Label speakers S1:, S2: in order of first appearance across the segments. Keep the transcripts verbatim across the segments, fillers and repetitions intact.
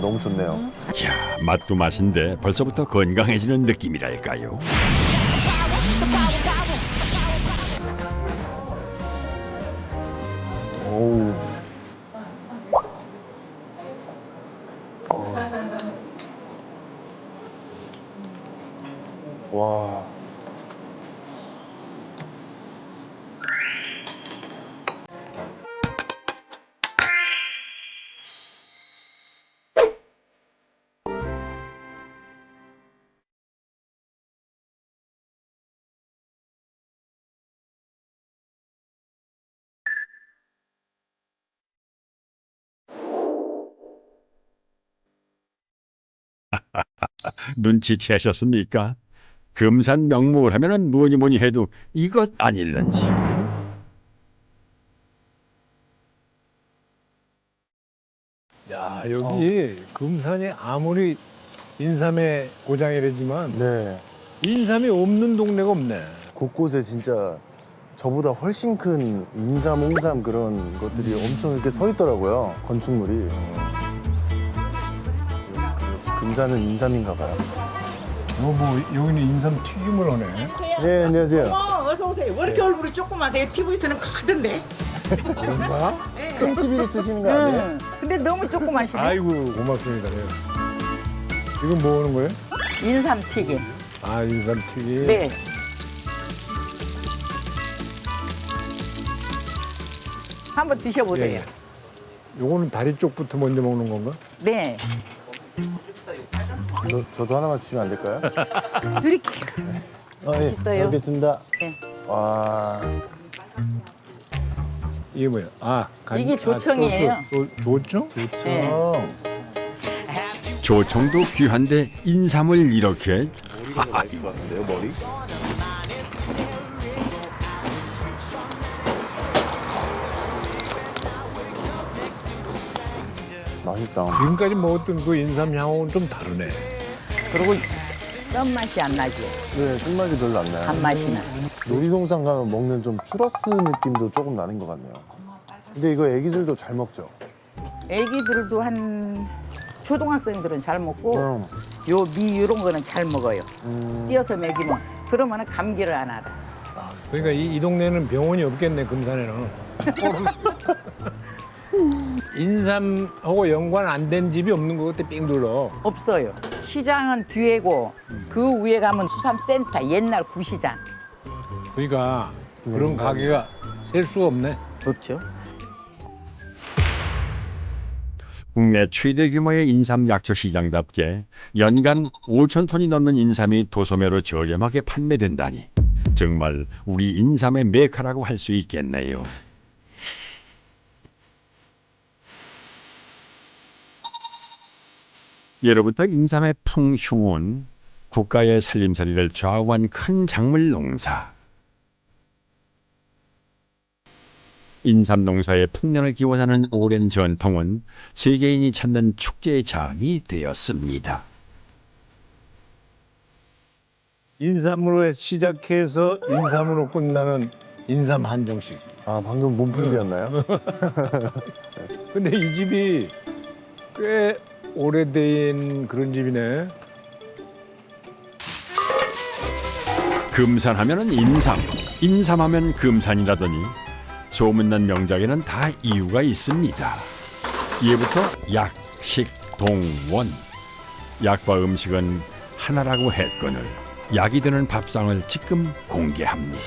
S1: 너무 좋네요.
S2: 야, 맛도 맛인데 벌써부터 건강해지는 느낌이랄까요?
S1: 오우. 와.
S2: 눈치채셨습니까? 금산 명물 하면은 뭐니 뭐니 해도 이것 아닐런지.
S3: 야, 여기 금산이 아무리 인삼의 고장이라지만
S1: 네.
S3: 인삼이 없는 동네가 없네.
S1: 곳곳에 진짜 저보다 훨씬 큰 인삼, 홍삼 그런 것들이 엄청 이렇게 서 있더라고요. 건축물이. 금산은 인삼인가 봐요.
S3: 뭐, 뭐 여기는 인삼 튀김을 하네.
S1: 네, 안녕하세요.
S4: 어, 어서 오세요. 왜 이렇게 얼굴이 조그마세요? 티비에서는 크던데.
S3: 그런가?
S1: 큰 티비를 쓰시는 거 아니에요?
S4: 응. 근데 너무 조그마시네.
S3: 아이고 고맙습니다. 네. 이건 뭐 하는 거예요?
S4: 인삼 튀김.
S3: 아 인삼 튀김.
S4: 네. 한번 드셔보세요.
S3: 예. 요거는 다리 쪽부터 먼저 먹는 건가?
S4: 네.
S1: 저, 저도 하나만 주시면 안 될까요?
S4: 드릴게요.
S1: 아, 예.
S4: 맛있어요.
S1: 알겠습니다.
S4: 네.
S1: 와.
S3: 이게 뭐야? 아 간,
S4: 이게 조청이에요.
S3: 아, 소스. 조, 조청?
S4: 네.
S1: 어.
S2: 조청도 귀한데 인삼을 이렇게
S1: 머리가 맛있을 것 같은데요, 머리? 맛있다.
S3: 지금까지 먹었던 그 인삼 향하고는 좀 다르네.
S4: 그리고 썸 맛이 안 나지.
S1: 네, 끝맛이 별로 안 나요.
S4: 단맛이 나.
S1: 놀이동산 가면 먹는 좀 추러스 느낌도 조금 나는 것 같네요. 근데 이거 애기들도 잘 먹죠?
S4: 애기들도 한 초등학생들은 잘 먹고
S1: 음.
S4: 요 미 이런 거는 잘 먹어요.
S1: 음.
S4: 띄어서 먹이면 그러면 감기를 안 알아.
S3: 그러니까 이, 이 동네는 병원이 없겠네 금산에는. 인삼하고 연관 안 된 집이 없는 것 같아 삥 둘러.
S4: 없어요. 시장은 뒤에고 그 위에 가면 수산센터 옛날 구시장.
S3: 그러니까 그런
S1: 인삼.
S3: 가게가 셀 수가 없네.
S4: 없죠.
S2: 국내 최대 규모의 인삼 약초 시장답게 연간 오천 톤이 넘는 인삼이 도소매로 저렴하게 판매된다니 정말 우리 인삼의 메카라고 할 수 있겠네요. 예로부터 인삼의 풍흉은 국가의 살림살이를 좌우한 큰 작물 농사. 인삼 농사의 풍년을 기원하는 오랜 전통은 세계인이 찾는 축제의 장이 되었습니다.
S3: 인삼으로 시작해서 인삼으로 끝나는 인삼 한정식.
S1: 아, 방금 몸풀기였나요?
S3: 근데 이 집이 꽤 오래된 그런 집이네.
S2: 금산하면은 인삼, 인삼하면 금산이라더니 소문난 명작에는 다 이유가 있습니다. 예부터 약, 식, 동, 원. 약과 음식은 하나라고 했거늘 약이 되는 밥상을 지금 공개합니다.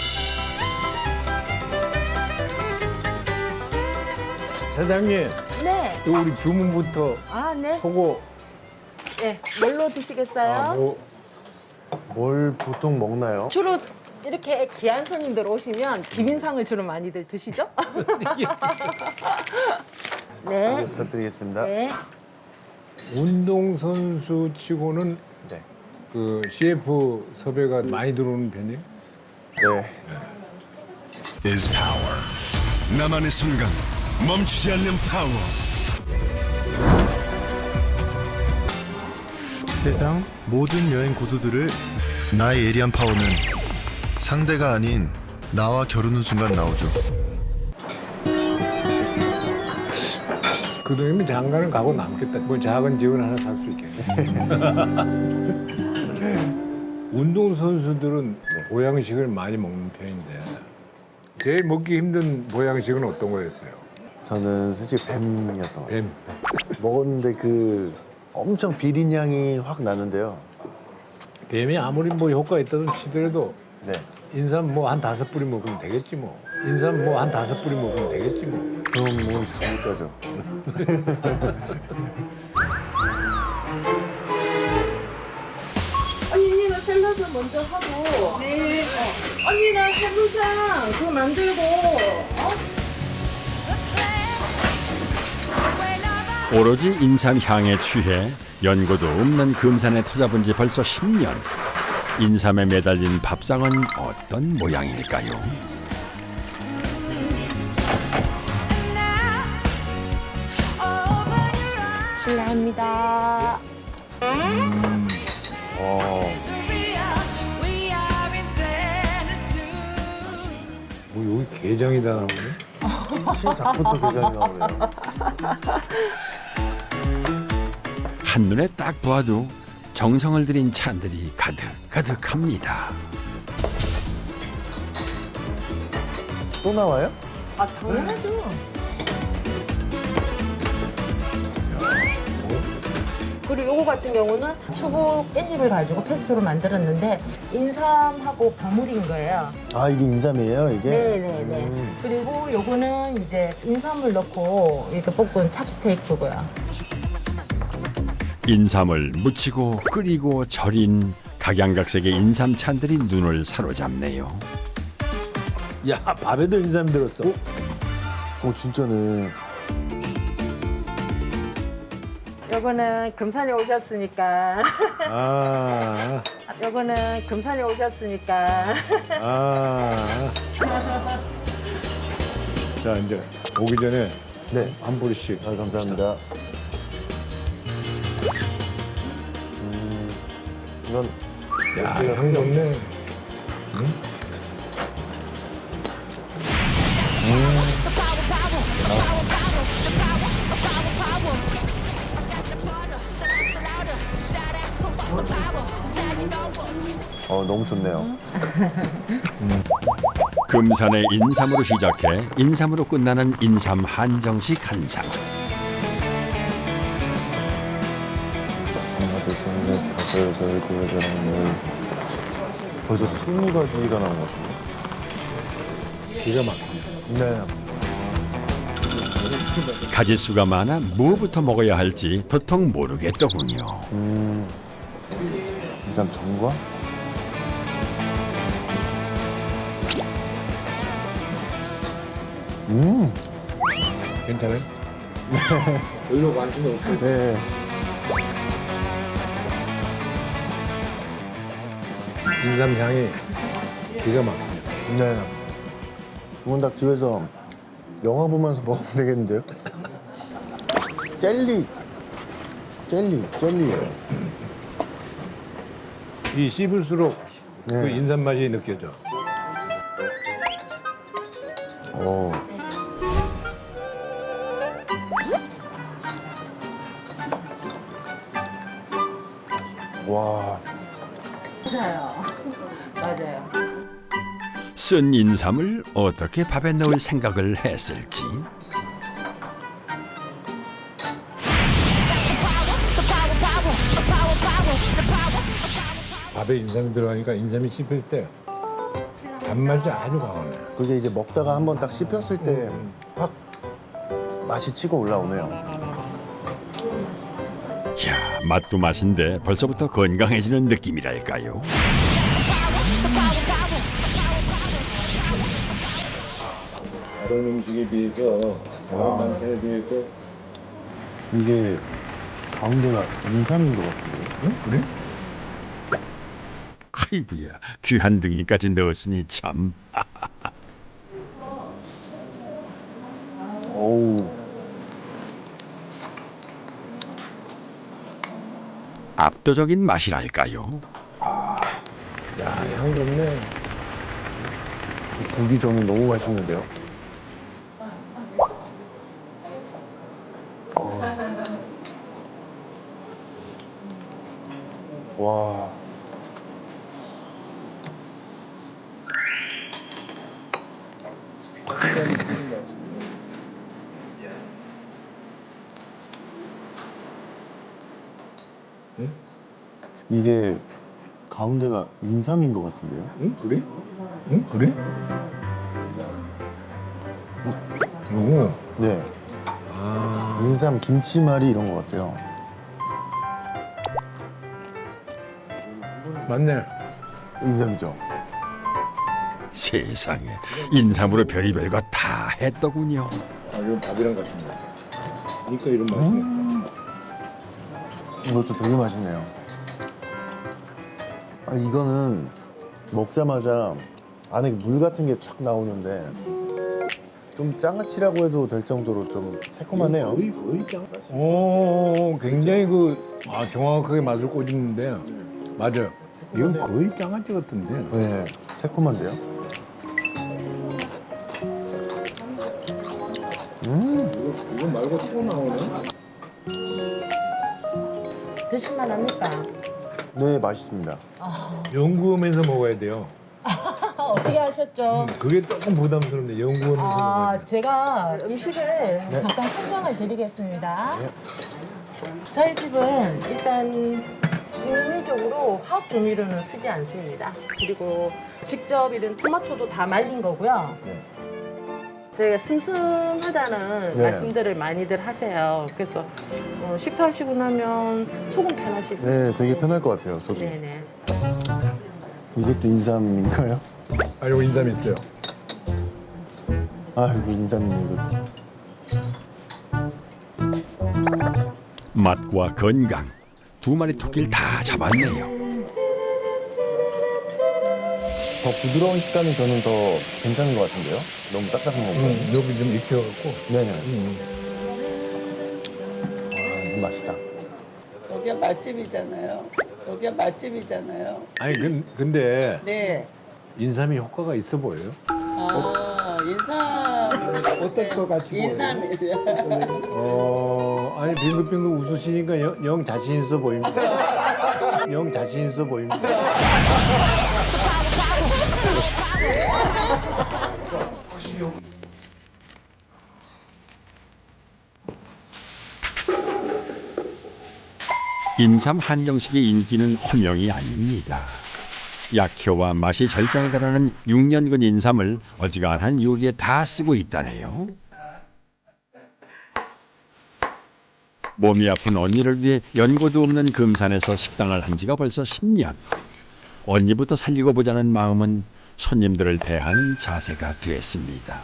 S3: 사장님,
S4: 네.
S3: 또 우리 주문부터
S4: 아, 네.
S3: 하고
S4: 네. 뭘로 드시겠어요?
S3: 아, 뭐
S1: 뭘 보통 먹나요?
S5: 주로 이렇게 귀한 손님들 오시면 비빔상을 주로 많이들 드시죠?
S1: 네,
S5: 네.
S1: 부탁드리겠습니다.
S5: 네.
S3: 운동선수 치고는
S1: 네.
S3: 그 씨에프 섭외가 많이 들어오는 편이에요?
S1: 네.
S6: is power. 나만의 순간 멈추지 않는 파워.
S7: 세상 모든 여행 고수들을 나의 예리한 파워는 상대가 아닌 나와 겨루는 순간 나오죠.
S3: 그 그 돈이면 장가는 가고 남겠다. 뭐 작은 집은 하나 살 수 있겠네. 운동 선수들은 보양식을 많이 먹는 편인데 제일 먹기 힘든 보양식은 어떤 거였어요?
S1: 저는 솔직히 뱀이었던 것 같아요.
S3: 뱀.
S1: 먹었는데 그 엄청 비린 향이 확 나는데요.
S3: 뱀이 아무리 뭐 효과 있다든 치더라도
S1: 네.
S3: 인삼 뭐 한 다섯 뿌리 먹으면 되겠지 뭐. 인삼 뭐 한 다섯 뿌리 먹으면 되겠지 뭐.
S1: 그럼 뭐 잘못 가죠.
S5: 언니는 샐러드 먼저 하고. 네. 어. 언니는 해물장 그거 만들고. 어?
S2: 오로지 인삼 향에 취해 연고도 없는 금산에 터잡은 지 벌써 십 년. 인삼에 매달린 밥상은 어떤 모양일까요?
S5: 실례합니다.
S3: 뭐 여기 게장이 다 나오네.
S1: 시작부터 게장이 나오네요.
S2: 한눈에 딱 보아도 정성을 들인 찬들이 가득 가득합니다.
S1: 또 나와요?
S5: 아, 당연하죠. 그리고 요거 같은 경우는 추부 깻잎을 가지고 페스토로 만들었는데 인삼하고 버무린 거예요.
S1: 아 이게 인삼이에요 이게?
S5: 네네네.
S1: 음.
S5: 그리고 요거는 이제 인삼을 넣고 이렇게 볶은 찹스테이크고요.
S2: 인삼을 무치고 끓이고 절인 각양각색의 인삼 찬들이 눈을 사로잡네요.
S3: 야 밥에도 인삼 들었어.
S1: 어 진짜네.
S5: 요거는 금산에 오셨으니까.
S3: 아,
S5: 요거는 금산에 오셨으니까.
S3: 아. 자 이제 오기 전에
S1: 네.
S3: 한 뿌리씩.
S1: 아 감사합니다. 음, 이건
S3: 야 향이 좋네.
S1: 어 너무 좋네요.
S2: 금산의 인삼으로 시작해 인삼으로 끝나는 인삼 한정식 한상.
S1: 하나 둘셋넷 다섯 여섯 일곱 여덟 열 벌써 스무 가지가 나온 것 같아요.
S3: 기가 막혀.
S1: 네.
S2: 가짓수가 많아 뭐부터 먹어야 할지 도통 모르겠더군요.
S1: 음, 인삼 전과? 음,
S3: 괜찮아요? 별로 관심 없고.
S1: 네.
S3: 인삼 향이 기가 막혀.
S1: 네. 이건 딱 집에서 영화 보면서 먹으면 되겠는데요? 젤리, 젤리, 젤리예요.
S3: 이 씹을수록
S1: 네.
S3: 그 인삼 맛이 느껴져.
S1: 오. 와.
S5: 맞아요. 맞아요.
S2: 쓴 인삼을 어떻게 밥에 넣을 생각을 했을지.
S3: 밥에 인삼이 들어가니까 인삼이 씹힐 때 단맛이 아주 강하네.
S1: 그게 이제 먹다가 한번 딱 씹혔을 때 확 맛이 치고 올라오네요.
S2: 야, 맛도 맛인데 벌써부터 건강해지는 느낌이랄까요?
S3: 다른 음식에 비해서 다른 반찬에 비해서
S1: 이게 가운데가 인삼인 것 같은데요?
S3: 응? 그래?
S2: 아이고야, 귀한 등이까지 넣었으니 참.
S1: 어우.
S2: 압도적인 맛이랄까요?
S3: 야, 향 좋네.
S1: 국이 저는 너무 맛있는데요? 어. 와. 이게 가운데가 인삼인 것 같은데요?
S3: 응? 그래? 응? 그래? 오.
S1: 네.
S3: 아.
S1: 인삼 김치말이 이런 것 같아요.
S3: 맞네.
S1: 인삼이죠.
S2: 세상에 인삼으로 별의별 거 다 했더군요.
S3: 아, 이건 밥이랑 같은 거. 그러니까 이런 맛이네.
S1: 이것도 되게 맛있네요. 아, 이거는 먹자마자 안에 물 같은 게 촥 나오는데 좀 장아찌라고 해도 될 정도로 좀 새콤하네요.
S3: 거의 거의 짱. 오, 굉장히 그 아, 정확하게 맛을 꽂는데 맞아요. 이건 거의 장아찌 같은데.
S1: 네, 새콤한데요? 음,
S3: 이건 말고 또 나오네.
S5: 드실만 합니까?
S1: 네, 맛있습니다.
S3: 연구하면서 먹어야 돼요.
S5: 어떻게 하셨죠?
S3: 그게 조금 부담스럽네. 연구하면서 먹어야
S5: 아,
S3: 돼.
S5: 제가 음식을 잠깐 설명을 드리겠습니다. 저희 집은 일단 인위적으로 화학 조미료는 쓰지 않습니다. 그리고 직접 이런 토마토도 다 말린 거고요.
S1: 네.
S5: 저희가 슴슴하다는
S1: 네.
S5: 말씀들을 많이들 하세요. 그래서 어, 식사하시고 나면 속은 편하시고.
S1: 네, 되게 편할 것 같아요, 속이.
S5: 네네.
S1: 이것도 인삼인가요?
S3: 아, 이거 인삼 있어요.
S1: 아, 이거 인삼이네, 이것도.
S2: 맛과 건강 두 마리 토끼를 다 잡았네요.
S1: 더 부드러운 식감이 저는 더 괜찮은 것 같은데요? 너무 딱딱한 거 보다.
S3: 응, 여기 좀 익혀갖고.
S1: 네네.
S3: 응.
S1: 아, 이거 맛있다.
S8: 여기가 맛집이잖아요. 여기가 맛집이잖아요.
S3: 아니, 근, 근데
S8: 네.
S3: 인삼이 효과가 있어 보여요?
S8: 아, 인삼. 어떨 것 같이 인삼이요.
S3: 어, 아니, 빙글빙글 웃으시니까 영, 영 자신 있어 보입니다. 영 자신 있어 보입니다.
S2: 인삼 한정식의 인기는 허명이 아닙니다. 약효와 맛이 절정에 달하는 육 년근 인삼을 어지간한 요리에 다 쓰고 있다네요. 몸이 아픈 언니를 위해 연고도 없는 금산에서 식당을 한 지가 벌써 십 년. 언니부터 살리고 보자는 마음은 손님들을 대하는 자세가 됐습니다.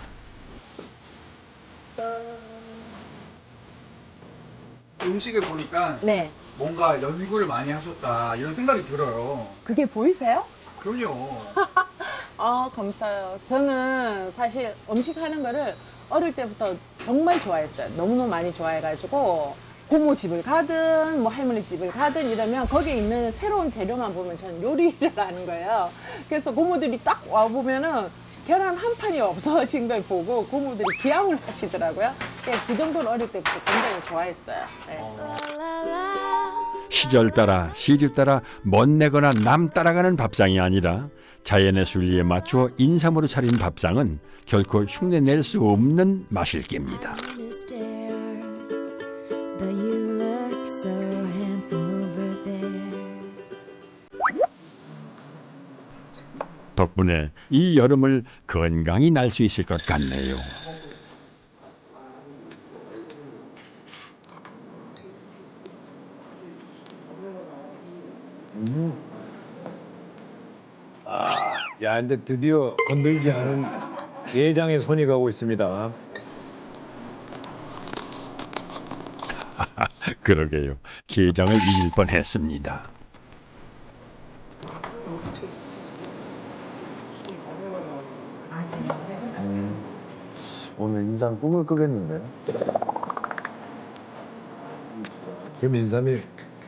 S9: 음식을 보니까
S5: 네.
S9: 뭔가 연구를 많이 하셨다 이런 생각이 들어요.
S5: 그게 보이세요?
S9: 그럼요.
S10: 아, 감사해요. 저는 사실 음식 하는 거를 어릴 때부터 정말 좋아했어요. 너무너무 많이 좋아해가지고 고모 집을 가든 뭐 할머니 집을 가든 이러면 거기에 있는 새로운 재료만 보면 저는 요리를 하는 거예요. 그래서 고모들이 딱 와보면은 계란 한 판이 없어진 걸 보고 고모들이 기양을 하시더라고요. 그 정도로 어릴 때부터 굉장히 좋아했어요. 네.
S2: 시절 따라 시류 따라 멋내거나 남 따라가는 밥상이 아니라 자연의 순리에 맞추어 인삼으로 차린 밥상은 결코 흉내낼 수 없는 맛일 겁니다. 덕분에 이 여름을 건강히 날 수 있을 것 같네요.
S3: 야, 근데 드디어 건들지 않은 게장에 손이 가고 있습니다.
S2: 그러게요. 게장을 잊을 뻔했습니다.
S1: 오늘 인삼 꿈을 꾸겠는데요?
S3: 그럼 인삼이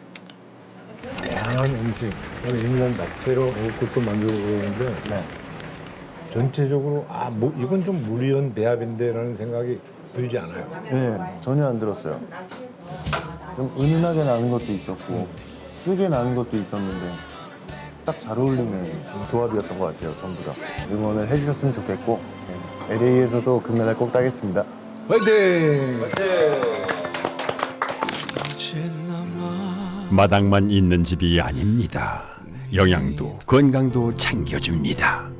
S3: 다양한 음식, 인삼 자체로 그것도 만들고 그러는데
S1: 네.
S3: 전체적으로 아, 뭐, 이건 좀 무리한 배합인데라는 생각이 들지 않아요.
S1: 네, 전혀 안 들었어요. 좀 은은하게 나는 것도 있었고 쓰게 나는 것도 있었는데 딱 잘 어울리는 조합이었던 것 같아요. 전부 다 응원을 해주셨으면 좋겠고 네. 엘에이에서도 금메달 꼭 따겠습니다.
S3: 화이팅!
S2: 마당만 있는 집이 아닙니다. 영양도 건강도 챙겨줍니다.